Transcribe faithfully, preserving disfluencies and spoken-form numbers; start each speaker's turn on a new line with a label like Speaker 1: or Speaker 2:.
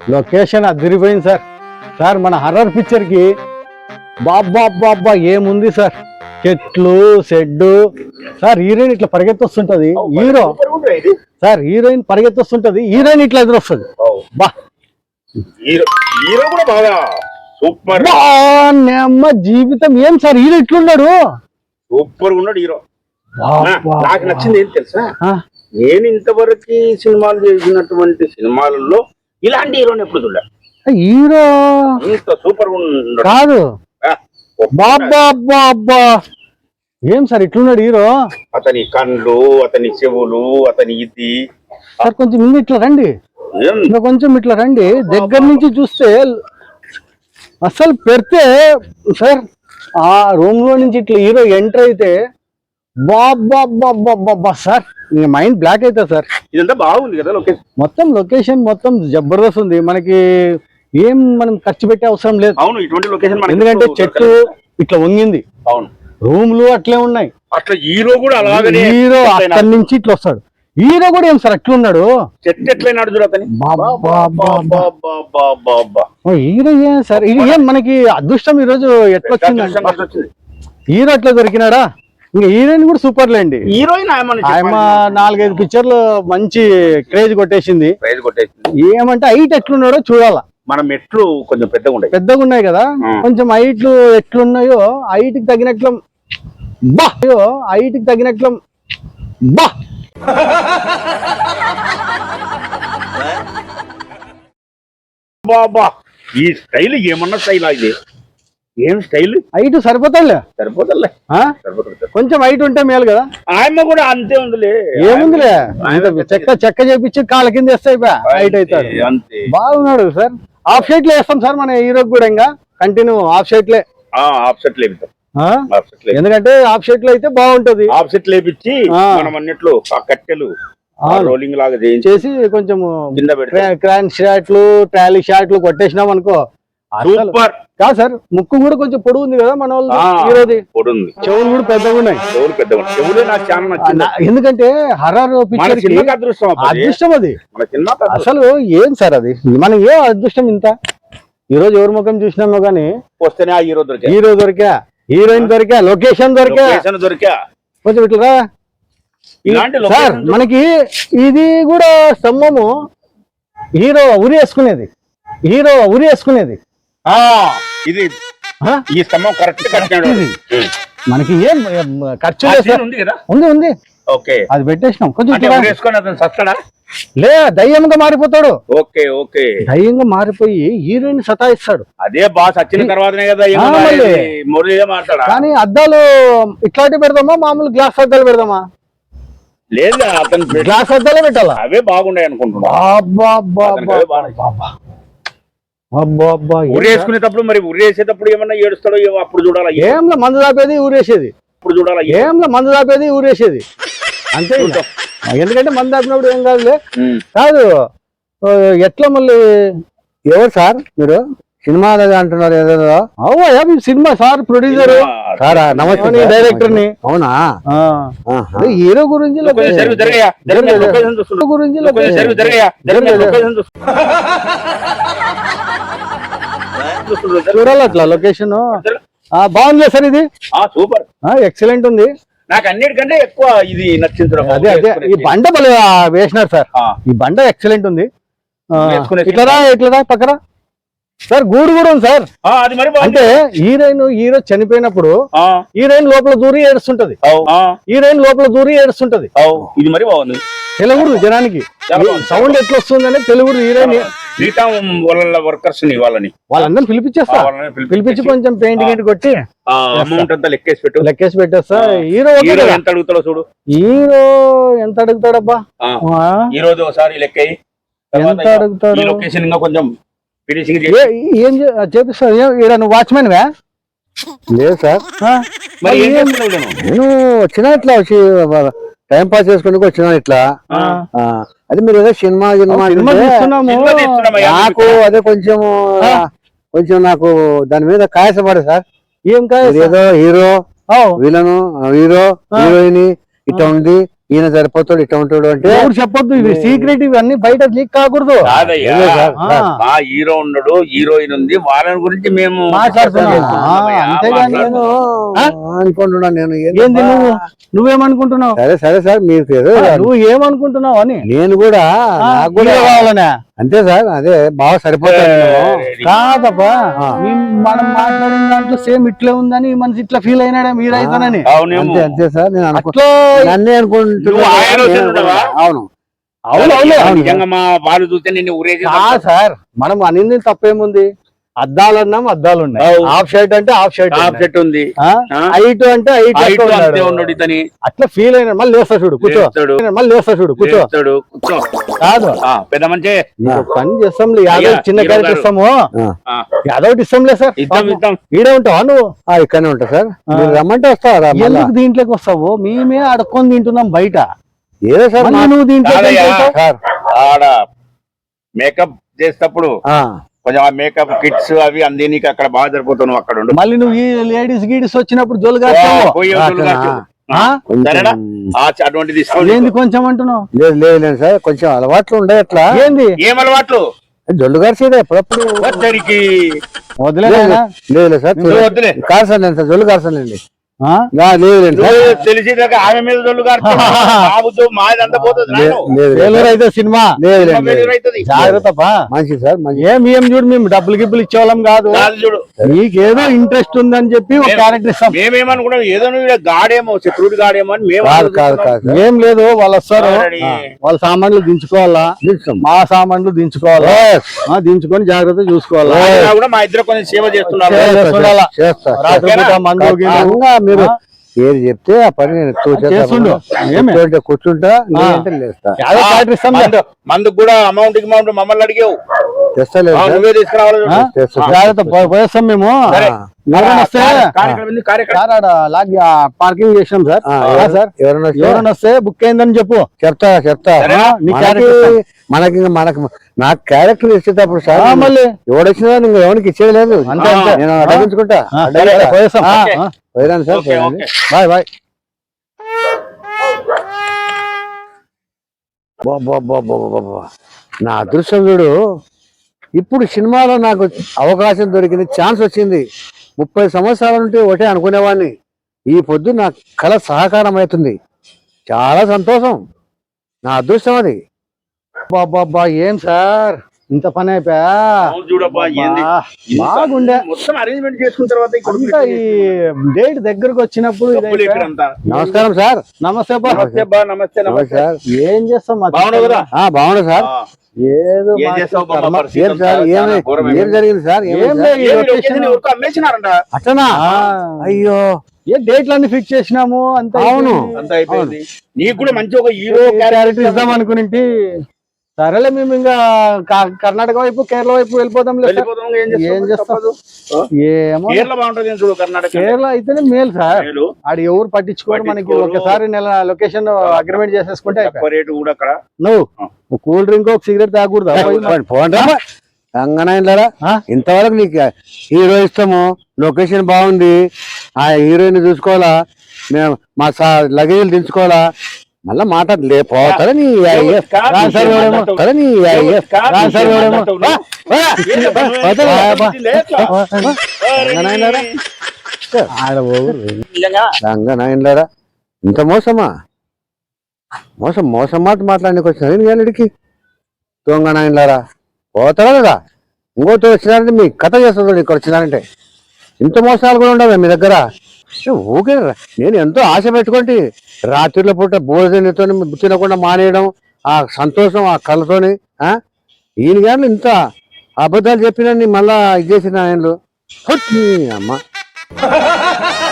Speaker 1: Location అదిరిపోయింది sir. Sir మన horror picture కి బాబ్బా బాబ్బా ఏముంది సార్, చెట్లు షెడ్డు సార్. హీరోయిన్ ఇట్లా పరిగెత్తొస్తుంటది, హీరో సార్ హీరోయిన్ పరిగెత్తొస్తుంటది, హీరోయిన్ ఇట్లా ఎదురొస్తుంది. బా
Speaker 2: హీరో కూడా బాగా సూపర్
Speaker 1: అమ్మ జీవితం ఏం సార్ హీరో ఇట్లున్నాడు,
Speaker 2: సూపర్ ఉన్నాడు హీరో. నాకు నచ్చింది ఏం తెలుసా, నేను ఇంతవరకు సినిమాలు చేసినటువంటి సినిమాలలో ఇలాంటి హీరోని ఎప్పుడు చూడ.
Speaker 1: హీరో
Speaker 2: ఇంత సూపర్
Speaker 1: కాదు బాబ్బా అబ్బా అబ్బా ఏం సార్ ఇట్లున్నాడు హీరో.
Speaker 2: అతని కళ్ళు, అతని చెవులు, అతని ఇది.
Speaker 1: సార్ కొంచెం ముందు ఇట్లా రండి, కొంచెం ఇట్లా రండి. దగ్గర నుంచి చూస్తే అసలు పెడితే సార్ ఆ రూమ్ లో నుంచి ఇట్లా హీరో ఎంటర్ అయితే బాబ్బా బాబ్బా సార్ మైండ్ బ్లాక్ అవుతుంది సార్.
Speaker 2: ఇదంతా బాగుంది కదా లొకేషన్,
Speaker 1: మొత్తం లొకేషన్ మొత్తం జబర్దస్త్ ఉంది. మనకి ఏం మనం ఖర్చు పెట్టే అవసరం లేదు.
Speaker 2: అవును, ఇటువంటి లొకేషన్
Speaker 1: ఎందుకంటే చెట్టు ఇట్లా వంగింది,
Speaker 2: అవును
Speaker 1: రూమ్లు అట్లే ఉన్నాయి.
Speaker 2: అట్లా హీరో కూడా అలాగే
Speaker 1: హీరో అక్కడి నుంచి ఇట్లా వస్తాడు. హీరో కూడా ఏం సార్ అట్లా ఉన్నాడు,
Speaker 2: చెట్టు ఎట్లయినాడు చూడు అతని.
Speaker 1: హీరో ఏం సార్ ఇది ఏం మనకి అదృష్టం ఈ రోజు ఎట్లా వచ్చింది, హీరో అట్లా దొరికినాడా. ఇంకా హీరోయిన్ కూడా సూపర్ లేండి.
Speaker 2: హీరోయిన్
Speaker 1: ఆయమ నాలుగైదు పిక్చర్లు మంచి క్రేజ్ కొట్టేసింది.
Speaker 2: క్రేజ్ కొట్టేసింది.
Speaker 1: ఏమంటే హైట్ ఎట్లున్నాడో చూడాలా.
Speaker 2: మన మెట్లు కొంచెం పెద్దగా ఉన్నాయి,
Speaker 1: పెద్దగా ఉన్నాయి కదా, కొంచెం హైట్లు ఎట్లున్నాయో హైట్ కి తగినట్లు బా హైట్ కి తగినట్లు బా
Speaker 2: బాబా ఈ స్టైల్ ఏమన్నా స్టైల్ ఇది ఏం స్టైల్.
Speaker 1: హైట్ సరిపోతాడులే,
Speaker 2: సరిపోతాడులే
Speaker 1: కొంచెం హైట్ ఉంటే మేలు కదా.
Speaker 2: ఆయమ్మ కూడా అంతే ఉందిలే,
Speaker 1: ఏముందిలే చెక్క చెక్క చేపించి కాళ్ళ కింద వేస్తాయి హైట్ అవుతాడు.
Speaker 2: అంతే
Speaker 1: బాగున్నాడు సార్. హాఫ్ షైట్ లో వేస్తాం సార్ మన హీరోకి కూడా, ఇంకా కంటిన్యూ హాఫ్ షైట్ లే
Speaker 2: హాఫ్ షర్ట్ లేపుతాం.
Speaker 1: ఎందుకంటే హాఫ్ షైట్ లో అయితే బాగుంటది.
Speaker 2: హాఫ్ షర్ట్ లేపించి మనం అన్నిట్లో ఆ కట్టెలు రోలింగ్ లాగా
Speaker 1: చేసి కొంచెం క్రాన్ షాట్లు ట్రాలీ షాట్లు కొట్టేసినాం అనుకో
Speaker 2: సూపర్.
Speaker 1: కాదు సార్ ముక్కు కూడా కొంచెం పొడుగు ఉంది కదా మన వాళ్ళు హీరోది,
Speaker 2: పొడుంది.
Speaker 1: చెవులు కూడా పెద్దగా ఉన్నాయి.
Speaker 2: చెవులు పెద్దగా ఉన్నాయి. చెవులే నాకు చాలా నచ్చింది.
Speaker 1: ఎందుకంటే హర్రర్ పిక్చర్ కి
Speaker 2: అదృష్టం
Speaker 1: అదృష్టం అది
Speaker 2: మన సినిమా.
Speaker 1: అసలు ఏం సార్ అది మనం ఏ అదృష్టం ఇంత. ఈ రోజు ఎవరి ముఖం చూసినామో గానీ
Speaker 2: వస్తేనే ఆ హీరో దొరికా,
Speaker 1: హీరో దొరికా, హీరోయిన్ దొరికా, లొకేషన్ దొరికా,
Speaker 2: దొరికా.
Speaker 1: కొంచెం ఇట్లా సార్ మనకి ఇది కూడా స్తంభము హీరో ఉరి వేసుకునేది, హీరో ఉరి వేసుకునేది
Speaker 2: ఇది. ఈ స్తంభం కరెక్ట్ కట్టాడు.
Speaker 1: మనకి ఏం ఖర్చు
Speaker 2: ఉంది కదా,
Speaker 1: ఉంది ఉంది
Speaker 2: ఓకే
Speaker 1: అది పెట్టేసినాం. కొంచెం
Speaker 2: వేసుకొని అతను సస్తాడా
Speaker 1: లే దయ్యంగా మారిపోతాడు.
Speaker 2: ఓకే ఓకే
Speaker 1: దయ్యంగా మారిపోయి హీరోయిన్ సతాయిస్తాడు.
Speaker 2: అదే బాస్ వచ్చిన తర్వాతనే కదా మురళిగా మాట్లాడా.
Speaker 1: కానీ అద్దాలు ఇట్లాంటివి పెడదామా, మామూలు గ్లాస్ అద్దాలు పెడదామా?
Speaker 2: లేదు అతను
Speaker 1: గ్లాస్ అద్దాలే పెట్టాలా,
Speaker 2: అవే బాగున్నాయి అనుకుంటున్నా. ఊరేసుకునేటప్పుడు మరి ఊరేసేటప్పుడు ఏమన్నా ఏడుస్తాడో అప్పుడు చూడాలి.
Speaker 1: ఏంలా మందు దాపేది ఊరేసేది,
Speaker 2: ఇప్పుడు చూడాలి.
Speaker 1: ఏంలా మందు దాపేది ఊరేసేది అంతే. ఎందుకంటే మందు దాపినప్పుడు ఏం కాదులే. కాదు ఎట్లా మళ్ళీ ఎవరు సార్ మీరు సినిమా అంటున్నారు ఏదో? అవుయా సినిమా సార్ ప్రొడ్యూసర్ సారా, నమస్తే డైరెక్టర్ ని. అవునా? హీరో గురించి గురించి చూడాలి అట్లా లొకేషన్ బాగుంది సార్. ఇది
Speaker 2: సూపర్
Speaker 1: ఎక్సలెంట్ ఉంది.
Speaker 2: నాకు అన్నిటికంటే ఎక్కువ ఇది నచ్చింది.
Speaker 1: అదే అదే ఈ బండ భలే వేసినారు సార్, ఈ బండ ఎక్సలెంట్ ఉంది. ఇట్లరా ఇట్లరా పక్కన సార్ గూడు కూడా ఉంది సార్. అంటే హీరోయిన్ హీరో చనిపోయినప్పుడు హీరోయిన్ లోపల దూరి ఏడుస్తుంటది, హీరోయిన్ లోపల దూరి ఏడుస్తుంటది.
Speaker 2: ఇది మరి బాగుంది.
Speaker 1: తెలుగుడు జనానికి సౌండ్ ఎట్లా వస్తుంది అనేది తెలుగుడు. హీరోయిన్
Speaker 2: వర్కర్స్ ని వాళ్ళని
Speaker 1: వాళ్ళందరినీ పిలిపించేస్తా, పిలిపించి కొంచెం పెయింటింగ్ ఏంటి కొట్టి
Speaker 2: అమౌంట్ అంతా లెక్కేసి పెట్టు
Speaker 1: లెక్కేసి పెట్టేస్తా. హీరో
Speaker 2: ఎంత అడుగుతాడో చూడు.
Speaker 1: హీరో ఎంత అడుగుతాడబ్బా
Speaker 2: ఈ రోజు ఒకసారి లెక్క
Speaker 1: ఎంత అడుగుతాడు.
Speaker 2: లొకేషన్ ఇంకా కొంచెం ఫినిషింగ్
Speaker 1: ఏం చేపిస్తావు? ఈడ నువ్వు వాచ్మెన్ వే? లేదు సార్, నేను వచ్చినా ఇట్లా టైం పాస్ చేసుకుని వచ్చినా ఇట్లా. అదే మీరు ఏదో సినిమా సినిమా నాకు అదే కొంచెం కొంచెం నాకు దాని మీద కాయసపడే సార్. ఏం కాయ? ఏదో హీరో విలను హీరో హీరోయిన్ ఇట్లా ఉంది, ఈయన సరిపోతాడు ఇట్లా ఉంటాడు అంటే
Speaker 3: ఎవరు చెప్పొద్దు ఇవి సీక్రెట్, ఇవన్నీ బయట లీక్ కాకూడదు.
Speaker 2: కాదయ్యా,
Speaker 1: ఏదో సార్,
Speaker 3: ఆ.
Speaker 1: సార్.
Speaker 2: మా హీరో ఉన్నాడు, హీరోయిన్ ఉంది, వాళ్ళని గురించి మేము
Speaker 3: మాట్లాడుతున్నాం.
Speaker 2: మాట్లాడుతున్నామయ్యా,
Speaker 3: ఆ, అంతేగాని
Speaker 1: నేను
Speaker 2: మాట్లాడుతున్నాం.
Speaker 1: అనుకుంటున్నా నేను ఏంది
Speaker 3: ఏంది నువ్వు నువ్వేమనుకుంటున్నావు?
Speaker 1: సరే సరే సార్ మీరు ఏదో
Speaker 3: నువ్వు ఏమనుకుంటున్నావు అని.
Speaker 1: నేను కూడా
Speaker 3: ఆ,
Speaker 1: నాకు కూడా
Speaker 3: హీరో కావాలనే
Speaker 1: అంతే సార్, అదే బాగా సరిపోతాడు
Speaker 3: కాదబ్బా,
Speaker 1: ఆ.
Speaker 3: మేము మనం మాట్లాడిన దాంట్లో సేమ్ ఇట్లే ఉందని ఈ మనిషి ఇట్లా ఫీల్ అయినాడే మీరైతేనని.
Speaker 2: అవునేమో.
Speaker 1: అంతే అంతే సార్ నేను అనుకో
Speaker 3: అట్లా
Speaker 1: నన్నే
Speaker 2: నువ్వు
Speaker 1: అనుకుంటున్నా
Speaker 2: ఆ ఆలోచన
Speaker 1: నేను
Speaker 2: ఉండవా?
Speaker 1: కూడా. అవును
Speaker 3: అవును అవును
Speaker 1: అవును.
Speaker 2: నిజంగా మా వాళ్ళు చూస్తే నిన్ను ఊరేసి
Speaker 3: కాదు సార్, మనం అనింది తప్పేముంది? అద్దాలు అన్నాం, అద్దాలు ఉన్నాయి.
Speaker 2: అవు.
Speaker 3: హాఫ్ షర్ట్ అంటే హాఫ్ షర్ట్
Speaker 2: టాప్ సెట్ ఉంది, ఆ?
Speaker 3: హైట్ అంటే height
Speaker 2: హైట్
Speaker 3: లెక్క
Speaker 2: అంతే
Speaker 3: ఉన్నాడు.
Speaker 2: ఉన్నాడు ఇతని.
Speaker 3: అట్లా ఫీల్ అయినా మళ్ళీ లేస్తా చూడు, కూర్చో.
Speaker 2: లేస్తాడు.
Speaker 3: మళ్ళీ లేస్తా చూడు, కూర్చో.
Speaker 2: లేస్తాడు, కూర్చో.
Speaker 3: కాదు
Speaker 2: ఆ, పెద్ద మంచి
Speaker 3: నీకు ఒక పని చేస్తాం, యాదవ్
Speaker 2: అయ్యా,
Speaker 3: చిన్న
Speaker 2: హీరో
Speaker 3: క్యారెక్టర్
Speaker 2: గారు.
Speaker 3: ఇస్తాము.
Speaker 1: ఆ.
Speaker 3: యాదవ్ ఇస్తాంలే సార్,
Speaker 2: ఇద్దాం ఇద్దాం.
Speaker 3: ఈడే ఉంటావా నువ్వు?
Speaker 1: ఆ, ఇక్కడనే ఉంటా సార్,
Speaker 3: ఆ.
Speaker 1: మీరు రమ్మంటే వస్తారా మళ్ళా?
Speaker 3: ఎందుకు దీంట్లోకి వస్తావు? మేమే అడుక్కొని తింటున్నాం బయట,
Speaker 1: ఏదో సార్
Speaker 3: మళ్ళీ
Speaker 1: మా-
Speaker 3: నువ్వు దీంట్లో
Speaker 2: కాదయ్యా.
Speaker 1: సార్
Speaker 2: ఆడ మేకప్ చేసేటప్పుడు
Speaker 1: ఆ,
Speaker 2: కొంచెం ఆ మేకప్ కిట్స్ అవి అంది నీకు అక్కడ బాగా సరిపోతావు, అక్కడ ఉండు.
Speaker 3: మళ్ళీ నువ్వు ఈ లేడీస్ గీడీస్ వచ్చినప్పుడు జోలుగా
Speaker 2: పోయి
Speaker 1: ఆ,
Speaker 2: వదులు కాచు. ఆ?
Speaker 1: కొంచెం-
Speaker 2: సరేనా? ఆ, అటువంటి తీసుకోండి.
Speaker 3: ఏంది కొంచెం అంటున్నావు?
Speaker 1: లేదు లేదు లేదు సార్, కొంచెం అలవాట్లు ఉండే అట్లా
Speaker 3: ఏంది
Speaker 2: ఏం అలవాట్లు
Speaker 1: జొల్లు గారిసేదే ఎప్పుడప్పుడు
Speaker 2: వచ్చరికి
Speaker 3: వదిలే
Speaker 1: లేదు
Speaker 3: నాయనా.
Speaker 1: లేదు లేదు సార్
Speaker 2: నువ్వు వద్దులే.
Speaker 1: కార్సండి సార్, జొల్లు కార్సండి
Speaker 3: ఆ?
Speaker 1: లేదు లేదు సార్
Speaker 2: నువ్వు తెలిసేదాకా ఆమె మీద దొల్లు కాదు మాది అంత పోతుంది
Speaker 1: లేదు
Speaker 2: నాయన.
Speaker 1: లేదు
Speaker 3: ఫెయిల్యూర్ అయితే సినిమా
Speaker 1: లేదు
Speaker 2: సినిమా
Speaker 1: లేదు
Speaker 2: failure అవుతుంది.
Speaker 3: జాగ్రత్త పా.
Speaker 1: మంచిది సార్ మంచి
Speaker 3: ఏం ఏం చూడు, మేము డబ్బులు గిబ్బులు ఇచ్చేవాళ్ళం కాదు,
Speaker 2: కాదు చూడు,
Speaker 3: నీకేదో ఇంట్రెస్ట్ ఉందని చెప్పి ఒక
Speaker 2: మేము-
Speaker 3: క్యారెక్టర్ ఇస్తాం.
Speaker 2: మేమేమనుకున్నాం ఏదో నువ్వు ఈడ గాడేమో శత్రువుడి గాడేమో అని మేము
Speaker 1: కాదు కాదు
Speaker 2: ఆలోచిస్తున్నాం.
Speaker 1: కాదు సార్
Speaker 3: ఏం లేదు, వాళ్ళు వస్తారు,
Speaker 2: Already.
Speaker 3: వాళ్ళ సామాన్లు దించుకోవాలా,
Speaker 1: నిల్చోం.
Speaker 3: మా సామాన్లు దించుకోవాలా,
Speaker 1: Yes.
Speaker 3: ఆ, దించుకొని జాగ్రత్త చూసుకోవాలా.
Speaker 2: అయినా కూడా మా ఇద్దరు కొంచెం సేవ చేస్తున్నారు.
Speaker 3: చేస్తా,
Speaker 1: చేస్తా,
Speaker 3: చూడాలా.
Speaker 1: చేస్తా
Speaker 3: రాత్రి పూట మందు గిన్నె.
Speaker 1: ఖచ్చితంగా మీరు
Speaker 3: ఆ?
Speaker 1: ఏది చెప్తే ఆ పని నేను ఎక్కువ చేస్తా.
Speaker 3: చేస్తుండు. ఏమే?
Speaker 1: కూర్చోంటే కూర్చుంటా, లేదంటే లేస్తా.
Speaker 3: యాదో క్యారెక్టర్ ఇస్తాం లే.
Speaker 2: మందు మందుకు కూడా అమౌంట్ అమౌంట్ మమ్మల్ని అడిగావు,
Speaker 1: తెస్తలేదు
Speaker 2: ఆ,
Speaker 1: సార్.
Speaker 2: నువ్వే తీసుకురావాలి చూడు.
Speaker 3: ఆ?
Speaker 1: చేస్తా.
Speaker 3: జాగ్రత్త పో- పోయేస్తాం మేము.
Speaker 2: సరే.
Speaker 3: ఎవరైనా వస్తే
Speaker 2: కార్యక్రమం ఉంది, కార్యక్రమం.
Speaker 3: సార్ ఆడ లాగ్ పార్కింగ్ చేసినాం సార్.
Speaker 1: ఆ,
Speaker 3: ఆ,
Speaker 1: ఎవరు-
Speaker 3: సార్
Speaker 1: ఎవరైనా వస్తే
Speaker 3: ఎవరైనా వస్తే బుక్ అయిందని చెప్పు.
Speaker 1: చెప్తా చెప్తా
Speaker 2: సరేనా?
Speaker 3: నీ
Speaker 1: మనకి
Speaker 3: క్యారెక్టర్
Speaker 1: మనకి ఇంకా మనకు నాకు క్యారెక్టర్ ఇచ్చేటప్పుడు సార్
Speaker 3: ఆ, మళ్ళీ
Speaker 1: ఎవడొచ్చినా నువ్వు ఎవరికి ఇచ్చేది లేదు,
Speaker 3: అంతే, అంతే.
Speaker 1: నేను అడగించుకుంటా.
Speaker 3: ఆ, సరే, సరే, పోయేస్తాం.
Speaker 1: ఆ,
Speaker 3: ఆ,
Speaker 1: పోయిరాను సార్,
Speaker 2: ఓకే,
Speaker 1: పోయిరాను.
Speaker 2: ఓకే.
Speaker 1: Bye bye. బా, బా, బా, బా, బా, బా. నా అదృష్టం చూడు, ఇప్పుడు సినిమాలో నాకు అవకాశం దొరికింది, ఛాన్స్ వచ్చింది. ముప్పై సంవత్సరాల నుండి ఒకటే అనుకునేవాడిని, ఈ పొద్దు నా కళ సహకారం అవుతుంది. చాలా సంతోషం, నా అదృష్టం అది.
Speaker 3: బాబా ఏం సార్ ఇంత పని అయిపోయా?
Speaker 2: అవును చూడబ్బా, ఏంది? ఇంత
Speaker 3: బాగుండే.
Speaker 2: మొత్తం అరేంజ్మెంట్ చేసుకున్న తర్వాత ఇక్కడ
Speaker 3: ఇంకా ఈ డేట్ దగ్గరకు వచ్చినప్పుడు ఇది
Speaker 2: డబ్బులు
Speaker 3: అయిపోయా.
Speaker 2: ఎక్కడంతా?
Speaker 1: నమస్కారం సార్.
Speaker 3: నమస్తే బా.
Speaker 2: నమస్తే బా, నమస్తే
Speaker 1: నమస్తే
Speaker 2: నమస్తే.
Speaker 1: సార్.
Speaker 3: ఏం చేస్తాం మా
Speaker 2: బాగున్నావు కదా?
Speaker 1: ఆ, బాగున్నా సార్.
Speaker 2: ఆ,
Speaker 3: ఏదో
Speaker 2: ఏం
Speaker 3: మాకు
Speaker 2: చేస్తావు బాబా,
Speaker 3: కర్మ.
Speaker 2: పరిస్థితి
Speaker 1: ఏం సార్,
Speaker 2: అంతా
Speaker 1: ఏమి
Speaker 2: చాలా ఘోరమైంది.
Speaker 1: ఏం జరిగింది సార్? ఏమైంది
Speaker 3: ఏం
Speaker 1: సార్?
Speaker 3: లేదు, ఈ
Speaker 2: ఏమి
Speaker 3: లొకేషన్
Speaker 2: లొకేషన్ ఎవరికో అమ్మేసినారంట.
Speaker 1: అట్టనా?
Speaker 3: ఆ,
Speaker 1: అయ్యో
Speaker 3: ఏ డేట్లు అన్ని ఫిక్స్ చేసినాము అంత
Speaker 1: అవును.
Speaker 2: అంతా అయిపోయింది. నీకు కూడా మంచి ఒక హీరో
Speaker 3: క్యారెక్టర్ ఇద్దాం అనుకుని సరేలే, మేము ఇంకా క- కర్ణాటక వైపు కేరళ వైపు వెళ్ళిపోదాం లేదు.
Speaker 2: వెళ్ళిపోతాం, ఏం చేస్తాం?
Speaker 3: ఏం చేస్తాం?
Speaker 2: తప్పదు. ఆ?
Speaker 3: ఏమో
Speaker 2: కేరళ బాగుంటది చూడు, కర్ణాటక
Speaker 3: కేరళ అయితేనే మేలు సార్.
Speaker 2: మేలు.
Speaker 3: ఆడు ఎవరు పట్టించుకోరు, మనకి
Speaker 2: పట్టించుకోరు.
Speaker 3: ఒకసారి నెల లొకేషన్ అగ్రిమెంట్ చేసేసుకుంటే అయిపోయి.
Speaker 2: తక్కువ రేటు కూడా అక్కడ.
Speaker 3: నువ్వు ఒక కూల్ డ్రింక్ ఒక సిగరెట్ తాగకూడదు.
Speaker 1: పోండి రంగనాయనరా,
Speaker 3: ఆ?
Speaker 1: ఇంతవరకు నీకు హీరో ఇష్టము, లొకేషన్ బాగుంది, ఆ హీరోయిన్ చూసుకోవాలా, మేము మా లగేజీలు దించుకోవాలా, మళ్ళా మాట్లాడలే పోతారా నీ అయ్య-
Speaker 2: కాదు,
Speaker 1: రా సార్
Speaker 2: ఏం
Speaker 1: ఎవడేమో,
Speaker 2: మాట్లాడతావు?
Speaker 1: సరే నీ అయ్య-
Speaker 2: కాదు,
Speaker 1: రా సార్
Speaker 2: ఏం
Speaker 1: ఎవడేమో.
Speaker 2: మాట్లాడతావు
Speaker 1: వా, వా.
Speaker 2: ఏంటి అబ్బా,
Speaker 1: పోతారా?
Speaker 2: నువ్వు
Speaker 1: వా,
Speaker 2: లేట్లా?
Speaker 1: వా. రంగనాయనరా,
Speaker 3: ఆడ పోకూడదు.
Speaker 2: నిజంగా
Speaker 1: రంగనాయనరా, ఇంత మోసమా? మోసం మోసం మాట మాట్లాడడానికి వచ్చిన నేను వేళడికి దొంగ నాయనలారా, పోతారా కదా? ఇంకోతో వచ్చినారంటే మీ కథ చేస్తుంది, ఇక్కడ వచ్చినారంటే ఇంత మోసాలు కూడా ఉండవే మీ దగ్గర? ఏ, ఊకే రా. నేను ఎంతో ఆశ పెట్టుకుంటే రాత్రిలో పూట భోజనంతో తినకుండా మానేయడం, ఆ సంతోషం ఆ కళ్ళతోని, ఆ ఈయన గారు ఇంత అబద్ధాలు చెప్పినా మళ్ళా ఇది చేసిన ఆయనలు అమ్మ